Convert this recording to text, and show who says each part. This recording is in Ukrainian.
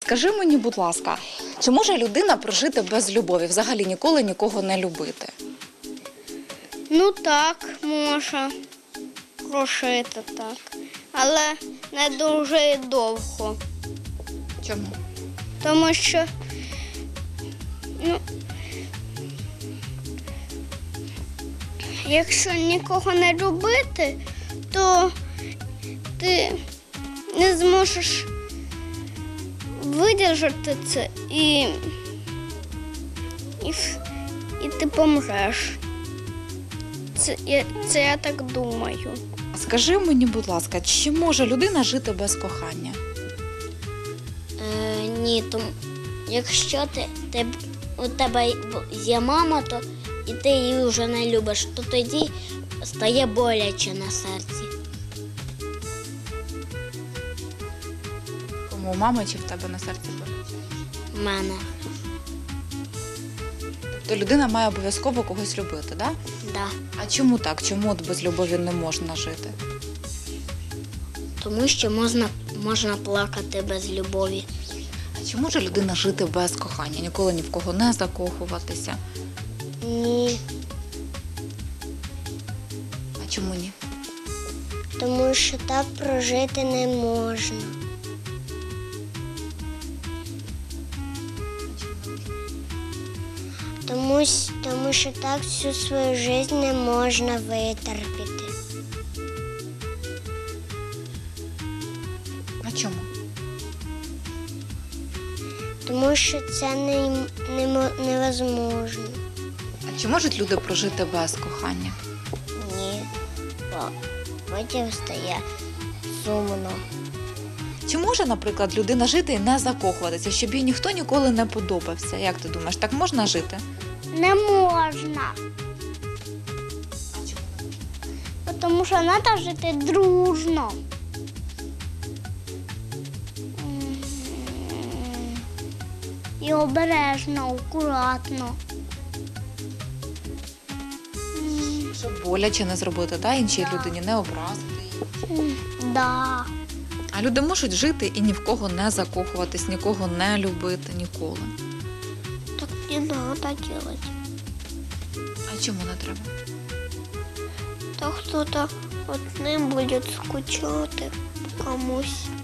Speaker 1: Скажи мені, будь ласка, чи може людина прожити без любові, взагалі ніколи нікого не любити?
Speaker 2: Ну так, може прожити так, але не дуже довго.
Speaker 1: Чому?
Speaker 2: Тому що якщо нікого не любити, то ти не зможеш видержати це і ти помреш. Це я так думаю.
Speaker 1: Скажи мені, будь ласка, чи може людина жити без кохання?
Speaker 2: Ні, тому якщо у тебе є мама, то і ти її вже не любиш, то тоді стає боляче на серці.
Speaker 1: Кому у мами чи в тебе на серці болить?
Speaker 2: У мене.
Speaker 1: Тобто людина має обов'язково когось любити, так? Да?
Speaker 2: Да.
Speaker 1: А чому так? Чому от без любові не можна жити?
Speaker 2: Тому що можна плакати без любові.
Speaker 1: А чи може людина жити без кохання? Ніколи ні в кого не закохуватися?
Speaker 2: Ні.
Speaker 1: А чому ні?
Speaker 2: Тому що так прожити не можна. Тому що так всю свою життя не можна витерпіти.
Speaker 1: А чому?
Speaker 2: Тому що це невозможно.
Speaker 1: А чи можуть люди прожити без кохання?
Speaker 2: Ні, потім стає сумно.
Speaker 1: Чи може, наприклад, людина жити і не закохуватися, щоб їй ніхто ніколи не подобався? Як ти думаєш, так можна жити?
Speaker 2: Не можна.
Speaker 1: А чому?
Speaker 2: Тому що треба жити дружно. І обережно, акуратно.
Speaker 1: Щоб боляче не зробити, да? Іншій людині не образити її.
Speaker 2: Да.
Speaker 1: А люди можуть жити і ні в кого не закохуватись, нікого не любити ніколи.
Speaker 2: Так не треба робити.
Speaker 1: А чому не треба?
Speaker 2: То хтось одним буде скучати комусь.